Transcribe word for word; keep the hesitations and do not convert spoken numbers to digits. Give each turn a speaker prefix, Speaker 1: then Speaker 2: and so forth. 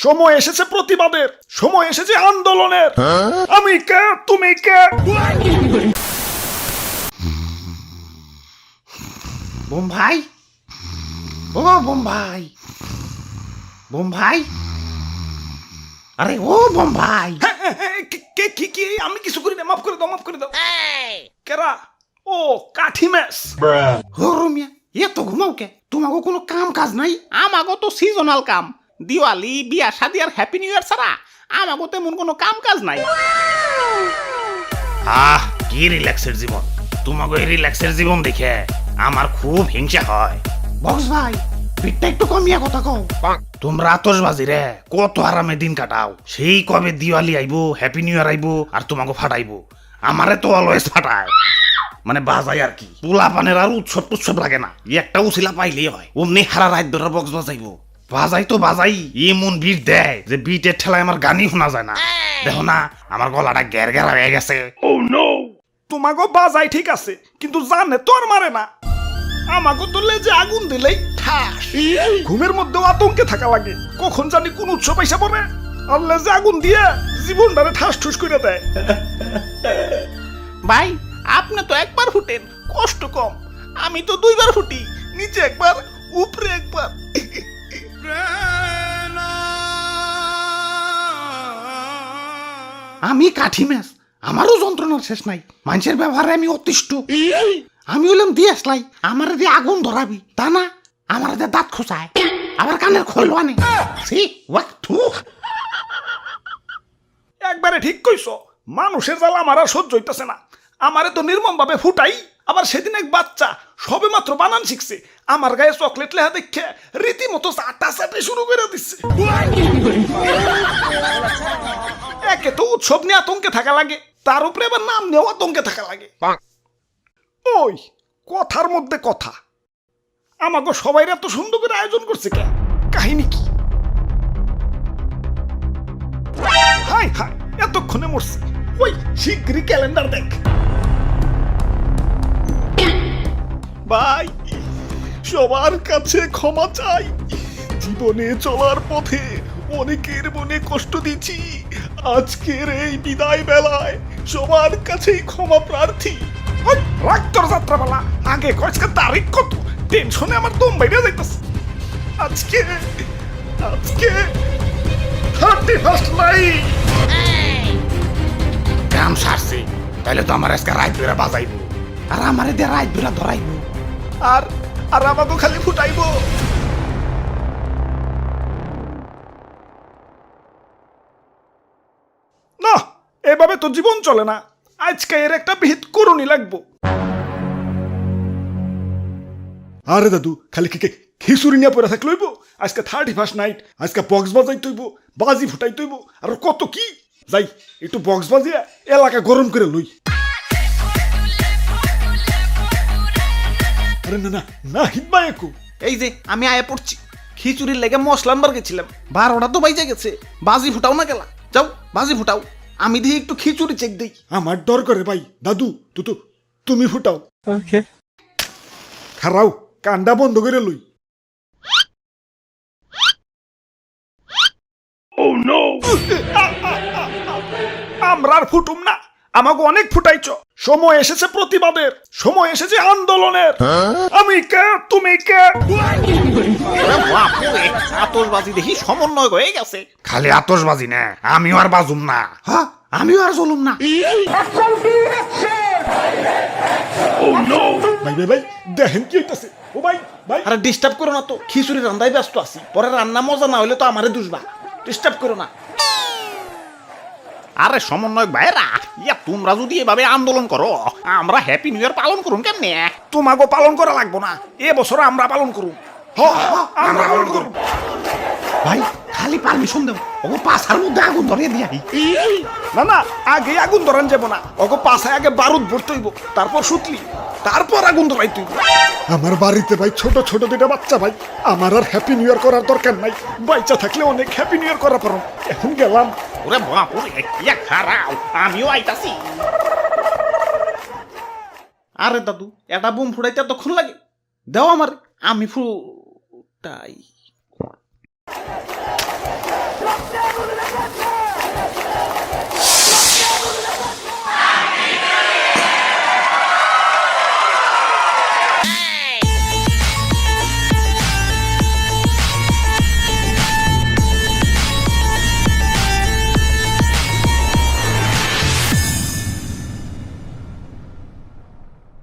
Speaker 1: সময় এসেছে প্রতিবাদের, সময় এসেছে আন্দোলনের। আমি কে, তুমি কে?
Speaker 2: বোম্বাই, ও বোম্বাই, বোম্বাই, আরে ও বোম্বাই।
Speaker 1: হ্যাঁ, হ্যাঁ, হ্যাঁ, কে- কে কি কি? আমি কিছু করি না, মাফ করে দাও, মাফ করে দাও। কেরা? ও কাঠি ম্যাচ।
Speaker 2: ও রুমিয়া, এত ঘুমাও কে? তোমাকে কোনো কাম কাজ নাই? আমাগো তো সিজনাল কাম, দিওয়ালি, বিয়া শাদি আর হ্যাপি নিউ ইয়ার ছাড়া আমাগো তেমন কোনো কাম কাজ নাই।
Speaker 3: আহ কি রিল্যাক্সের জীবন, তোমাকে এই রিল্যাক্সের জীবন দেখে আমার খুব হিংসা হয়।
Speaker 2: বক্স ভাই, পিঠটা একটু কমিয়া কথা কও।
Speaker 3: তোমরা আতশবাজি রে কত আরামে দিন কাটাও, সেই কবে দিওয়ালি আইবো, হ্যাপি নিউ ইয়ার আইবো আর তোমাকে ফাটাইবো। আমারে তো অলওয়েজ ফাটায়, মানে বাজাই আর কি। পোলা পানের আর উৎসব টুৎসব লাগে না, একটা উছিলা পাইলেই হয়, অমনি হারা রাত ধরে বক্স বাজাইবো। বাজাই তো বাজাই, এমন বিট দেয় যে বিটের ঠেলায় আমার গানই শোনা যায় না। দেখো না আমার গলাটা গ্যার গ্যারা হয়ে গেছে।
Speaker 1: তোমাগো বাজাই ঠিক আছে, কিন্তু জানে তোর মারে না। আমাগো তো লেজে আগুন দিলেই ঠাস। ঘুমের মধ্যেও আতঙ্কে থাকা লাগে, কখন জানি কোন উৎসব আইসা পড়ে আর লেজে আগুন দিয়ে জীবনটারে ঠাস ঠুস করে দেয়।
Speaker 2: ভাই, আপনি তো একবার ফুটেন, কষ্ট কম। আমি তো দুইবার ফুটি, নিচে একবার উপরে একবার। আমি কাঠি ম্যাচ, আমারও যন্ত্রণার শেষ নাই। মানুষের ব্যবহারে আমি অতিষ্ঠ। আমি হলাম দিয়ে আসলাই, আমার দিয়ে আগুন ধরাবি তা না, আমার দিয়ে দাঁত খোঁচায়, আবার কানের খোলো আনে। সি ওয়াক থু।
Speaker 1: একবারে ঠিক কইছো, মানুষের জ্বালা আমার আর সহ্য হইতেছে না। আমারে তো নির্মম ভাবে ফুটাই, আবার সেদিন এক বাচ্চা সবে মাত্র বানান শিখছে, আমার গায়ে চকলেট লেহা দেখে রীতিমতো চাটা চাটে শুরু করে দিচ্ছে। একে তো উৎসব নিয়ে আতঙ্কে থাকা লাগে, তার উপরে আবার নাম নিয়েও আতঙ্কে থাকা লাগে। ওই কথার মধ্যে কথা, আমাকে সবাই এত সুন্দর করে আয়োজন করছে কে? কাহিনী কি? হাই হাই, এতক্ষণে মরছে। ওই শিগগিরই ক্যালেন্ডার দেখ। ভাই, সবার কাছে ক্ষমা চাই। জীবনে চলার পথে অনেকের মনে কষ্ট দিচ্ছি। আজকের এই বিদায় বেলায় সবার কাছেই ক্ষমা প্রার্থী। ওই রাগ তোর যাত্রাপালা, আগে কয়েকটা তারিখ কত? টেনশনে আমার দম বাইরে যাইতেছে। আজকে আজকে থার্টি ফার্স্ট নাইট।
Speaker 3: কাম সারছে, তাহলে তো আমার আজকে রাত ধরে বাজাইবো।
Speaker 2: আর আমারে দিয়ে রাত ধরা ধরাইব।
Speaker 1: আর আর আমাকে খালি ফুটাইবো। না, এভাবে তো জীবন চলে না। আজকে এর একটা বিহিত করুনি লাগবো। আরে দাদু, খালি কি খিচুড়ি নিয়ে পড়ে থাকলে হইব? আজকে থার্টি ফার্স্ট নাইট, আজকে বক্স বাজাই তৈব, বাজি ফুটাই তৈব, আর কত কি। যাই একটু বক্স বাজিয়ে এলাকা গরম করে লই। আরে না না না, হিটবা একু।
Speaker 2: এই যে আমি আয়া পড়ছি, খিচুড়ির লেগে মশলা আনবার গেছিলাম, বারোটা তো বাইজে গেছে। বাজি ফুটাও না গেলা, যাও বাজি ফুটাও, আমি দেখি একটু খিচুড়ি চেক দিই।
Speaker 1: আমার ডর করে ভাই। দাদু তু তো তুমি ফুটাও। ওকে, খারাও কান্ডা বন্ধ করে লই। আমরা আর ফুটুম না, আমাকে অনেক ফুটাইছ। সময় এসেছে প্রতিবাদের, সময় এসেছে আন্দোলনের। আমি কে, তুমি কে?
Speaker 2: আতশবাজি দেখি সমন্বয় হয়ে গেছে।
Speaker 3: খালি আতশবাজি না, আমিও আর বাজুম না।
Speaker 2: হ্যাঁ, আমিও আর চলুম না।
Speaker 1: ভাই ভাই ভাই, দেখেন কি হইতাছে। ও ভাই ভাই,
Speaker 2: আরে ডিস্টার্ব করো না তো, খিচুড়ি রান্দায় ব্যস্ত আছি। পরে রান্না মজা না হইলে তো আমারে দুষবা, ডিস্টার্ব করো না। আরে সমন্বয়ক ভাইরা, ইয়া তোমরা যদি এভাবে আন্দোলন করো, আমরা হ্যাপি নিউ ইয়ার পালন করুন কেমনে?
Speaker 1: তোমাকে পালন করা লাগবো না, এ বছর আমরা পালন করুম। হ, আমরা পালন করুম।
Speaker 2: ভাই খালি পারমিশন দেব, ও পাছার মধ্যে আগুন ধরিয়ে দিয়াই।
Speaker 1: না না, আগে আগুন ধরান যাব না, ওকে পাশায় আগে বারুদ ভরতে হইব, তারপর সুতলি, তারপর আগুন ধরাইতে হইব। আমার বাড়িতে ভাই ছোট ছোট দুটা বাচ্চা ভাই, আমার আর হ্যাপি নিউ ইয়ার করার দরকার নাই। বাচ্চা থাকলে অনেক হ্যাপি নিউ ইয়ার করা পারো। এখন গেলাম।
Speaker 2: ওরে বাপ ওরে, ইয়া খারাও, আমিও আইতাছি। আরে দাদু, এটা বোম ফুটাইতে এতক্ষণ লাগে? দাও আমার, আমি ফুটাই।